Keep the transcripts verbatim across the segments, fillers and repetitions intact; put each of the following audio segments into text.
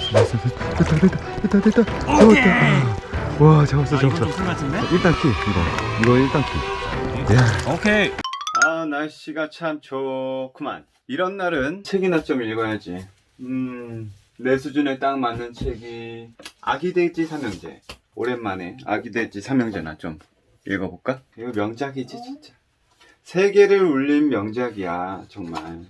됐다 됐다 됐다 됐다 잡았다. 와 잡았어 아, 이거 잡았어. 좀 큰 것 같은데? 일단 키 이거 이거 일단 키. 야. 오케이. 아 날씨가 참 좋구만. 이런 날은 책이나 좀 읽어야지. 음, 내 수준에 딱 맞는 책이 아기돼지 삼형제. 오랜만에 아기돼지 삼형제나 좀 읽어볼까? 이거 명작이지 진짜. 세계를 울린 명작이야 정말.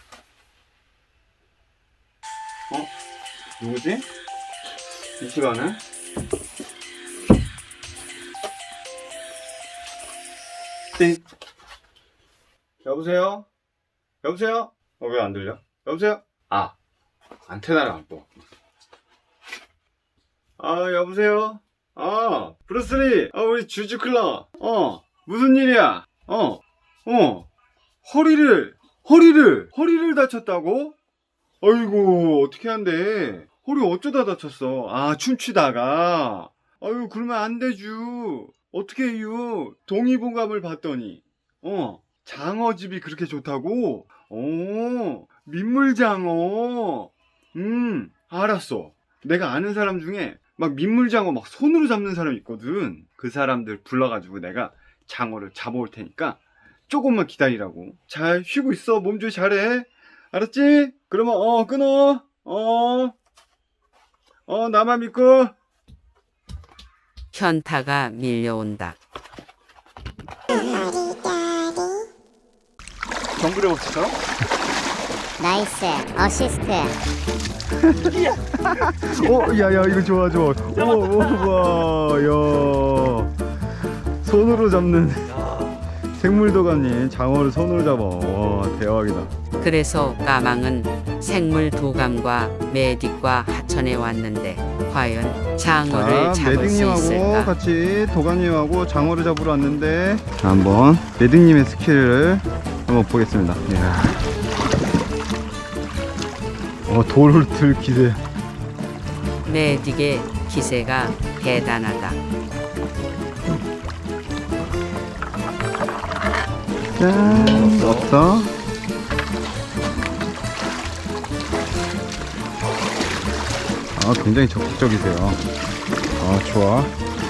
어? 누구지? 이 시간에? 띵. 여보세요? 여보세요? 어, 왜 안 들려? 여보세요? 아, 안테나를 안 또. 아, 여보세요? 아, 브루스리. 아, 우리 주주클러. 어, 무슨 일이야? 어, 어, 허리를, 허리를, 허리를 다쳤다고? 아이고, 어떻게 한대? 허리 어쩌다 다쳤어? 아, 춤추다가. 아유, 그러면 안 되죠. 어떻게 해요? 동의보감을 봤더니, 어, 장어집이 그렇게 좋다고? 오, 민물장어. 음, 알았어. 내가 아는 사람 중에 막 민물장어 막 손으로 잡는 사람 있거든. 그 사람들 불러가지고 내가 장어를 잡아올 테니까 조금만 기다리라고. 잘 쉬고 있어. 몸조리 잘해. 알았지? 그러면 어 끊어. 어, 어 나만 믿고. 현타가 밀려온다. 정글의 법칙처럼? 나이스 어시스트. 어, 야야 이거 좋아 좋아. 우와 우와 야. 손으로 잡는 생물도감님 장어를 손으로 잡아. 와 대박이다. 그래서 까망은 생물 도감과 메딕과 하천에 왔는데 과연 장어를 자 잡을 수 매딩님하고 있을까? 같이 도감님하고 장어를 잡으러 왔는데 자, 한번 매딩님의 스킬을 한번 보겠습니다. 이야. 어 돌을 들 기세. 메딕의 기세가 대단하다. 짠 없어. 아 굉장히 적극적이세요. 아 좋아.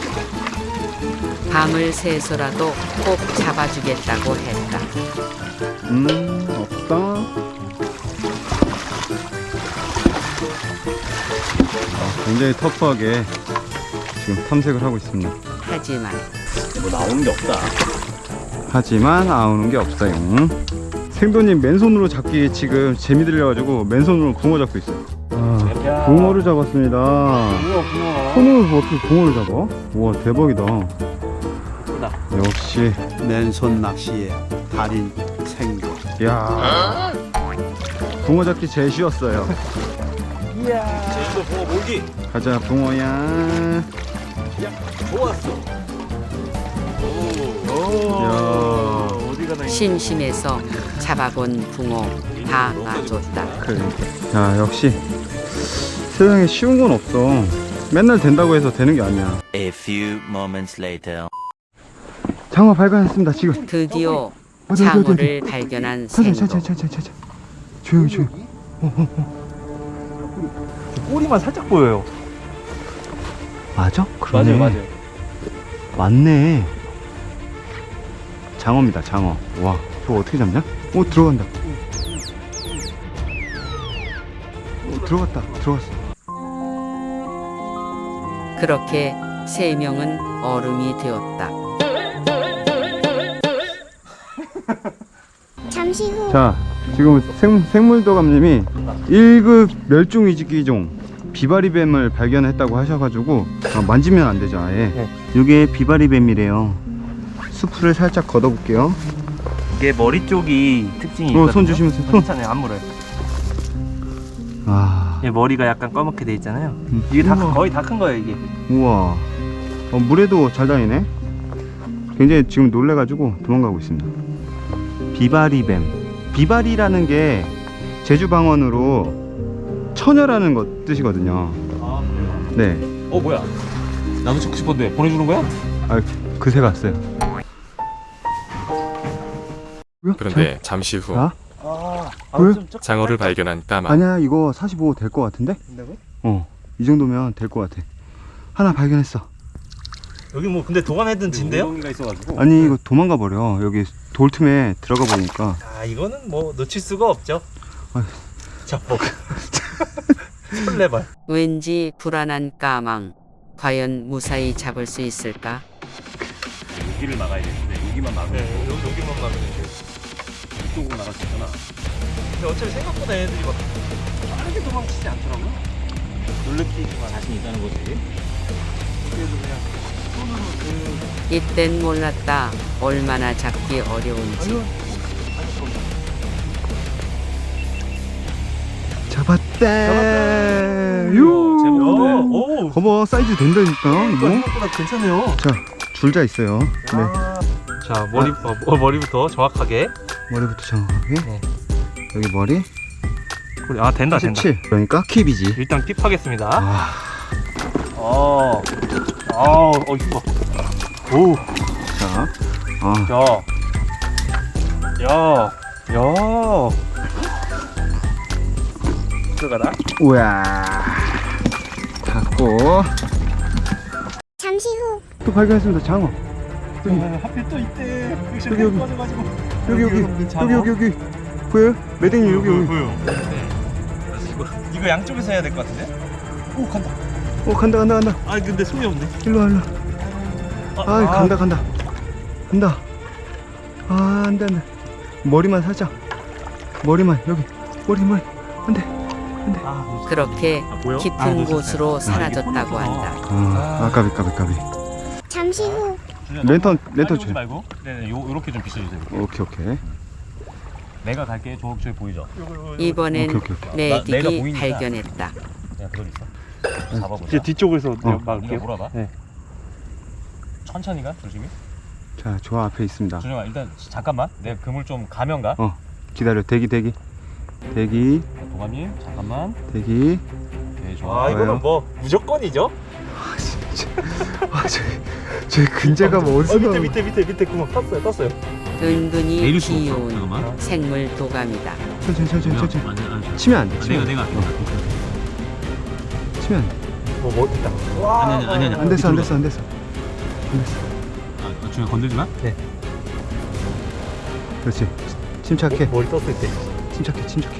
밤을 새서라도 꼭 잡아주겠다고 했다. 음 없어. 아, 굉장히 터프하게 지금 탐색을 하고 있습니다. 하지만 뭐 나오는 게 없다. 하지만 나오는 게 없어요. 생도님 맨손으로 잡기 지금 재미 들려가지고 맨손으로 붕어 잡고 있어요. 아, 붕어를 잡았습니다. 붕어 붕어. 손으로 어떻게 붕어를 잡아? 우와 대박이다. 크다. 역시 맨손 낚시의 달인 생도. 야 붕어 잡기 제일 쉬웠어요. 제주도 붕어 몰기. 가자 붕어야. 좋았어. 야. 어디 가나. 심심해서 잡아본 붕어 다 놔줬다. 그래. 야 역시 세상에 쉬운 건 없어. 맨날 된다고 해서 되는 게 아니야. A few moments later. 장어 발견했습니다 지금. 드디어 어디, 어디, 어디, 장어를 발견한 천천히 생도. 천천히 천천히 천천히. 조용히 조용히. 꼬리만 살짝 보여요. 맞아? 그러네. 맞아요, 맞아요. 맞네. 장어입니다 장어. 와 저거 어떻게 잡냐? 오 들어간다. 오 들어갔다 들어갔어. 그렇게 세 명은 얼음이 되었다. 잠시 후 자 지금 생, 생물도감님이 일 급 멸종위기종 비바리뱀을 발견했다고 하셔가지고 아, 만지면 안 되죠 아예. 네. 이게 비바리뱀이래요. 수프를 살짝 걷어볼게요. 이게 머리 쪽이 특징이 어, 있거든요. 손 조심하세요. 손. 괜찮아요, 안 물어요. 아 얘 머리가 약간 검게 돼 있잖아요. 음. 이게 다 우와. 거의 다 큰 거예요, 이게. 우와 어, 물에도 잘 다니네. 굉장히 지금 놀래가지고 도망가고 있습니다. 비바리뱀. 비바리라는 게 제주 방언으로 처녀라는 것 뜻이거든요. 아, 그래요? 네. 어, 뭐야? 나도 찍고 싶었는데 보내주는 거야? 아 그새 갔어요. 그런데 잠시 후 자, 아, 왜? 좀 적- 장어를 발견한 까마. 아니야 이거 사십오 될 것 같은데? 된다고? 어, 이 정도면 될 것 같아. 하나 발견했어. 여기 뭐 근데 도관해둔 진데요? 가 있어가지고. 아니 이거 도망가 버려. 여기 돌 틈에 들어가 보니까. 아 이거는 뭐 놓칠 수가 없죠. 아휴. 자 뭐. 설레발. 왠지 불안한 까망. 과연 무사히 잡을 수 있을까? 여기를 막아야 되는데 여기만 막으면 네, 여기, 여기만 막으면 돼. 이쪽으로 나갈 수 있잖아. 근데 어차피 생각보다 애들이 막 빠르게 도망치지 않더라고요. 놀래키기만 자신 있다는 거지. 그래도 그냥 손으로 그 이땐 몰랐다. 얼마나 잡기 어려운지. 잡았다. 유. 제목. 오. 봐봐 사이즈 된다니까. 이거. 생각보다 괜찮네요. 자 줄자 있어요. 네. 자 머리 어, 머리부터 정확하게. 머리부터 정확하게. 네. 여기 머리. 그래, 아 된다 된다. 십칠. 그러니까 킵이지. 일단 킵하겠습니다. 아. 어. 아, 어 이거. 오. 자. 아. 야. 야. 야. 들어가나? 우야. 갖고 잠시 후 또 발견했습니다. 장어. 여기 하필 또 이때 여기, 여기. 빠져가지고 여기 여기 여기 여기 여기 보여요? 매댕이 여기 여기. 보여. 네. 이거 이거 양쪽에서 해야 될 것 같은데? 오 간다. 어 간다 간다 간다. 아 근데 손이 없네. 일로 와 일로. 와. 아 간다 간다. 간다. 아 안돼 안돼. 머리만 살짝. 머리만 여기. 머리 머리. 안돼 안돼. 아, 그렇게 아, 보여? 깊은 아, 놓쳤어요. 곳으로 아, 사라졌다고 이게 손이 한다. 아, 아 까비 까비 까비. 잠시 후 랜턴 랜턴 오지 줘요. 말고. 네네 요 요렇게 좀 비춰주세요. 오케이 오케이. 내가 갈게. 저 저기 보이죠? 이번엔 오케이, 오케이, 오케이. 나- 내가 메딕이 보이니까. 발견했다. 그냥 그대로 있어. 잡아보자. 이제 뒤쪽에서 어. 막을게요. 몰아봐. 네. 천천히 가 조심히. 자 저 앞에 있습니다. 준영아 일단 잠깐만. 내가 그물 좀 가면 가. 어 기다려. 대기 대기 대기 도감님 잠깐만. 대기. 네 좋아. 아, 이거는 뭐 무조건이죠? 제 근제가 뭐 어디서 나온 밑에 밑에 구멍 떴어요 떴어요. 은근히 내릴 수가 없어. 귀여운 잠깐만. 생물 도감이다. 천천히 천천히 천천히. 아니 아니. 치면 안 돼. 치면 내가 안 돼. 내가. 어. 치면 안 돼. 뭐뭐 됐다. 아니 아니 아니 아니. 안 됐어 안 됐어 안 됐어. 아, 준영 건들지 마. 네. 그렇지. 침착해. 머리 떴을 때. 침착해 침착해.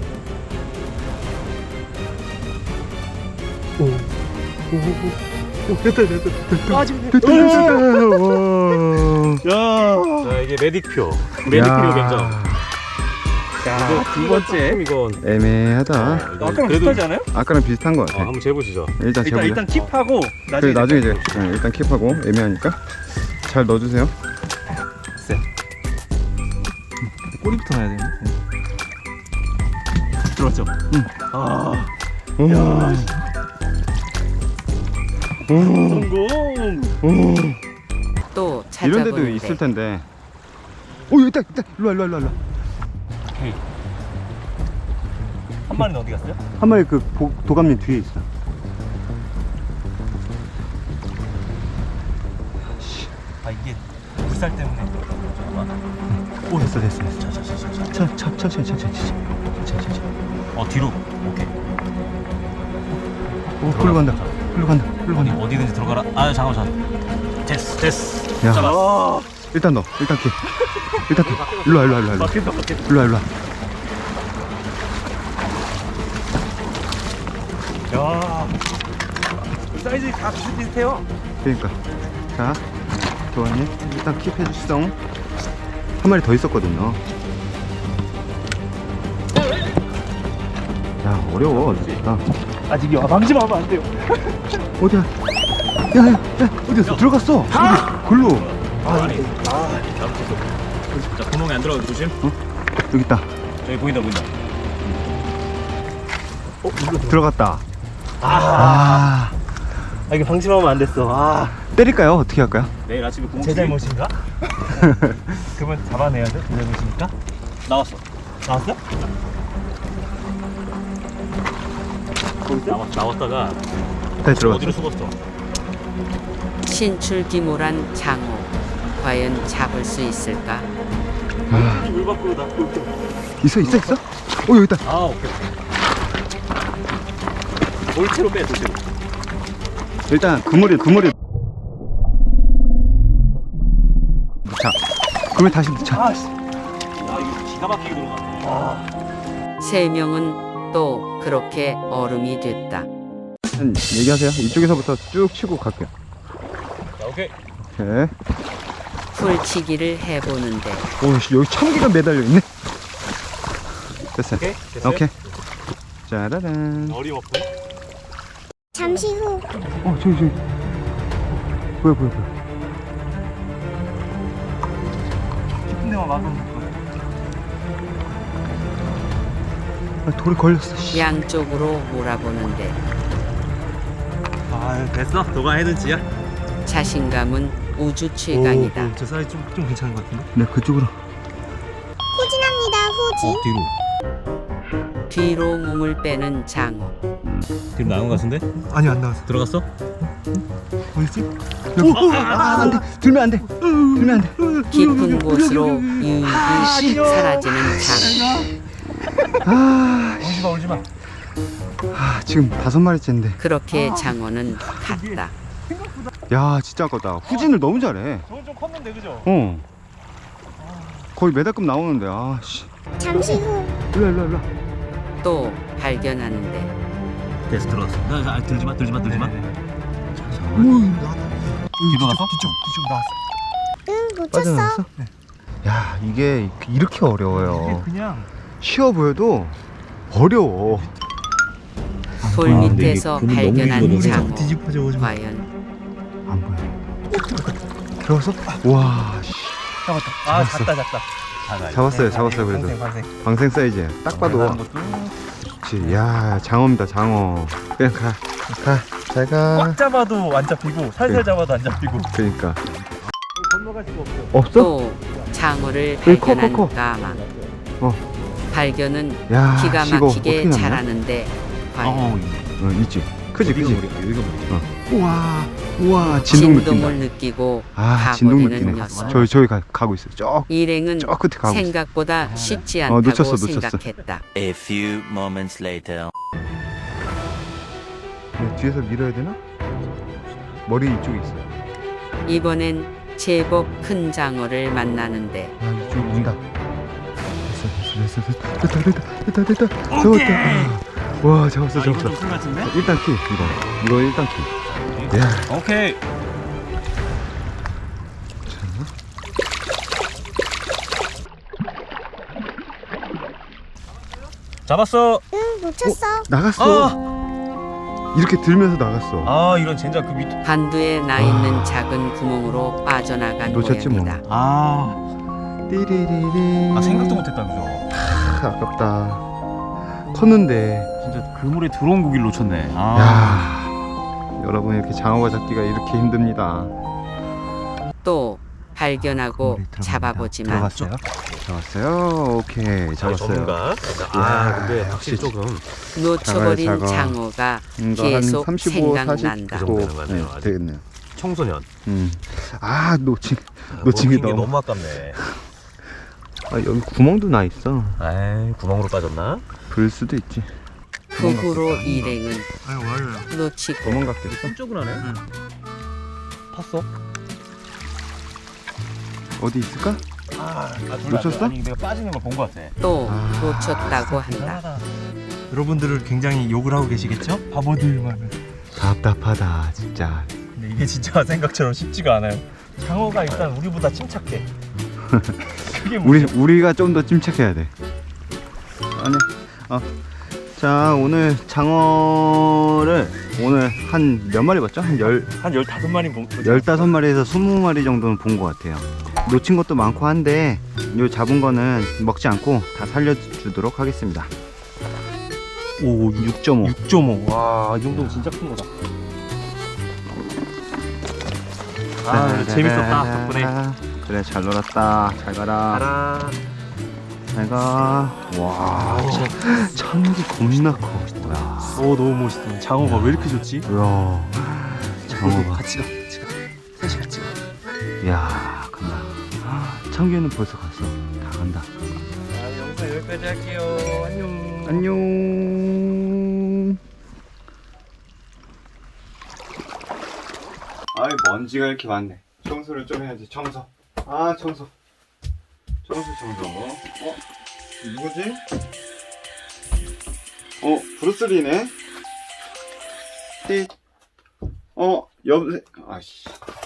빠지네. 됐다 됐다. 와. 야. 자 이게 메딕표. 야. 메딕표 견적. 야, 두 번째. 이건. 애매하다. 아까랑 비슷하지 않아요? 아까랑 비슷한 것 어, 같아. 한번 재보시죠. 일단 일단 재보자. 일단 킵하고 그래 나중에 나중에 이제 재봅시다. 네, 일단 킵하고 애매하니까 잘 넣어주세요. 꼬리부터 넣어야 되네. 들어왔죠? 응. 아. 오. 성공. 오. 또 이런 데도 찾아보는데 있을 텐데. 오 여기 있다 있다. 일로 와 일로 와 일로 와. 오케이. 한 마리는 어디 갔어요? 한 마리 그 보, 도감님 뒤에 있어. 아 이게 불살 때문에. 잠깐만. 오 됐어 됐어 됐어. 자자자자. 천, 천, 천천히 천천히 천천히 천천히. 어 뒤로. 오케이. 오 흘러 간다. 흘러 간다. 흘러 어디 간다. 어디든지 들어가라. 아 잠깐만 잠깐. 됐어 됐어. 야. 잡아. 일단 넣어. 일단 킵. 일단 킵. 일로 와 일로 와 일로 와. 막힌다 막힌다. 일로 와 일로 와. 야. 사이즈 다 비슷비슷해요. 그러니까. 자 도감님 일단 킵 해주시죠. 한 마리 더 있었거든요. 야 어려워 진짜. 아직 와 방지만 하면 안 돼요. 어디야? 야야 야, 어디였어? 들어갔어. 여기 글로. 아, 아니. 아, 잘못했어. 자, 구멍에 안 들어가게 조심. 여기 있다. 저기 보인다, 보인다. 어, 들어갔다. 아, 아 아, 이게 방심하면 안 됐어. 아, 때릴까요? 어떻게 할까요? 내일 아침에 구멍 제 잘못인가? 그러면 잡아내야죠. 제 잘못이니까. 나왔어. 나왔어? 나왔, 나왔다가 다시 들어갔어. 어디로 숨었어? 신출귀몰한 장어. 과연 잡을 수 있을까? 물 밖으로 나. 있어 있어 있어? 어 여기 있다. 아, 오케이. 돌체로 빼 돌체로. 일단 그물이 그물이 자 그물 다시 넣자. 아 이거 기가 막히게 들어가네. 아. 세 명은 또 그렇게 얼음이 됐다. 한 얘기하세요. 이쪽에서부터 쭉 치고 갈게요. 자, 오케이. 오케이. 풀치기를 해보는데 오씨 여기 참기가 매달려 있네. 됐어요. 오케이. 됐어요? 오케이. 짜라란. 어림없고. 잠시 후. 어 저기 저기. 뭐야 뭐야 뭐야. 깊은 데만 막으면 아, 돌이 걸렸어. 씨. 양쪽으로 몰아보는데 아 됐어. 너가 해든지야. 자신감은 우주 최강이다. 저 사이 좀, 좀 괜찮은 것 같은데? 네 그쪽으로. 후진합니다. 후진. 뒤로. 뒤로 몸을 빼는 장어. 뒤로 나온 것 같은데? 아니 안 나왔어. 들어갔어? 어딨지? 아 안돼. 들면 안돼. 들면 안돼. 깊은 곳으로 유유히 사라지는 장어. 아, 울지마 울지마. 아 지금 다섯 마리째인데. 그렇게 장어는 갔다. 야 진짜 아깝다. 후진을 너무 잘해. 저건 좀 컸는데 그죠? 어. 거의 메다급 나오는데 아씨. 잠시 후. 일로 일로 일로. 또 발견하는데 됐어 들어갔어. 나, 나 들지마 들지마 들지마. 오 나왔다. 뒤로 나서? 뒤쪽 뒤쪽 나왔어. 응, 놓쳤어. 빠져나왔어? 야 이게 이렇게 어려워요. 그냥 쉬워 보여도 어려워. 돌 아, 밑에서 발견한 장어. 뒤집어져 오지 마. 과연 안 보여. 들어가서 와 씨. 잡았다. 아 잡았어. 작다 작다. 작아. 잡았어요 잡았어요 그래도. 방생 방생. 방생 사이즈 딱 봐도. 그렇지. 야 장어입니다 장어. 그냥 가. 가. 잘 가. 꽉 잡아도 안 잡히고 살살 그래. 잡아도 안 잡히고. 그러니까. 건너갈 수가 없어. 없어? 또 장어를 여기 커, 발견한 커, 커. 까망. 어. 발견은 야 기가 씨, 이거 막히게 어떻게 났냐? 잘하는데 과연 어 있지. 크지 여기가 크지. 물이야, 여기가 물이야. 어. 우와 우와 진동 느낀다. 진동을 느끼고 아 진동 가버리는 느끼네. 녀석. 저기 저기 가, 가고 있어요. 저, 일행은 저 끝에 가고 있어. 생각보다 쉽지 어, 않다고 놓쳤어, 놓쳤어. 생각했다. A few moments later. 네, 뒤에서 밀어야 되나? 머리 이쪽에 있어요. 이번엔 제법 큰 장어를 만나는데 아 이쪽 온다. 됐어 됐어 됐어 됐다 됐다 됐다 됐다 잡았다. 아, 와 잡았어 아, 이거 잡았어. 좀큰 같은데? 일단 키 이거 이거 일단 키. 야 오케이. 잡았어. 응, 놓쳤어. 나갔어. 아, 이렇게 들면서 나갔어. 아 이런 젠장 그 밑. 반두에 나 있는 작은 구멍으로 빠져나간 놓쳤지 뭐. 모양이다. 아, 띠리리리. 아 생각도 못했다 그죠? 아, 아깝다. 컸는데. 진짜 그물에 들어온 고기를 놓쳤네. 아. 야 여러분 이렇게 장어가 잡기가 이렇게 힘듭니다. 또 발견하고 그물이 들어갑니다. 잡아보지만 들어갔어요? 잡았어요. 오케이 잡았어요. 전문가. 이야, 아 근데 역시 확실히 조금 놓쳐버린 작아요, 작아. 장어가 이거 계속 한 삼십오, 생각난다. 사십 그 정도 되는 거 같네요, 아직. 되겠네요. 청소년. 음. 아 놓친 놓친 게 놓친 게 너무. 너무 아깝네. 아 여기 구멍도 나 있어. 아이 구멍으로 빠졌나? 불 수도 있지. 그 후로 일행은 아유 와요. 놓치고 도망갔겠어? 깜짝을 하네. 응. 팠어? 어디 있을까? 아, 아 둘 놓쳤어? 아니 내가 빠지는 걸 본 것 같아. 또 아, 놓쳤다고 한다. 여러분들을 굉장히 욕을 하고 계시겠죠? 바보들만. 답답하다 진짜. 근데 이게 진짜 생각처럼 쉽지가 않아요. 장어가 일단 우리보다 침착해. 그게 우리 문제야. 우리가 좀 더 침착해야 돼. 아니, 어. 자 오늘 장어를 오늘 한 몇 마리 봤죠? 한 열, 한 열다섯 마리 본. 열다섯 마리에서 스무 마리 정도는 본 것 같아요. 놓친 것도 많고 한데 요 잡은 거는 먹지 않고 다 살려주도록 하겠습니다. 오 육 점 오. 육 점 오. 와, 이 정도면 진짜 큰 거다. 아, 재밌었다 덕분에. 그래 잘 놀았다. 잘 가라. 알아. 잘 가. 와 참기 겁나 커. 야, 오 너무 멋있다. 장어가 왜 이렇게 좋지? 야 장어가. 같이 가. 같이 가. 셋이 같이 가. 야 간다. 참기는 벌써 갔어. 다 간다. 아, 영상 여기까지 할게요. 안녕. 안녕. 아이 먼지가 이렇게 많네. 청소를 좀 해야지. 청소. 아 청소. 청소 청소. 어? 누구지? 어 브루스리네. 띠. 어 여보세. 아씨.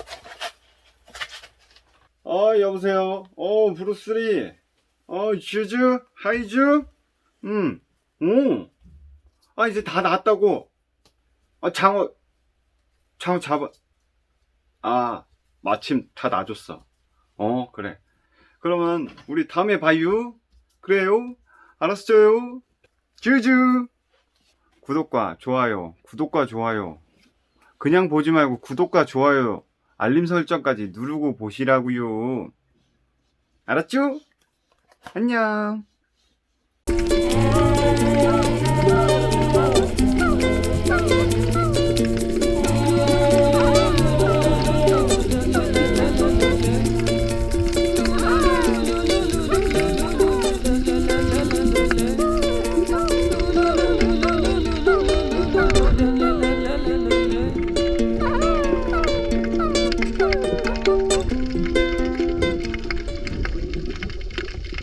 어 여보세요. 어 브루스리. 어 주주 하이주. 음. 오. 아 이제 다 나았다고. 아 장어. 장어 잡아. 아 마침 다 놔줬어. 어 그래. 그러면 우리 다음에 봐요. 그래요. 알았어요. 주주. 구독과 좋아요. 구독과 좋아요. 그냥 보지 말고 구독과 좋아요. 알림 설정까지 누르고 보시라고요. 알았죠? 안녕.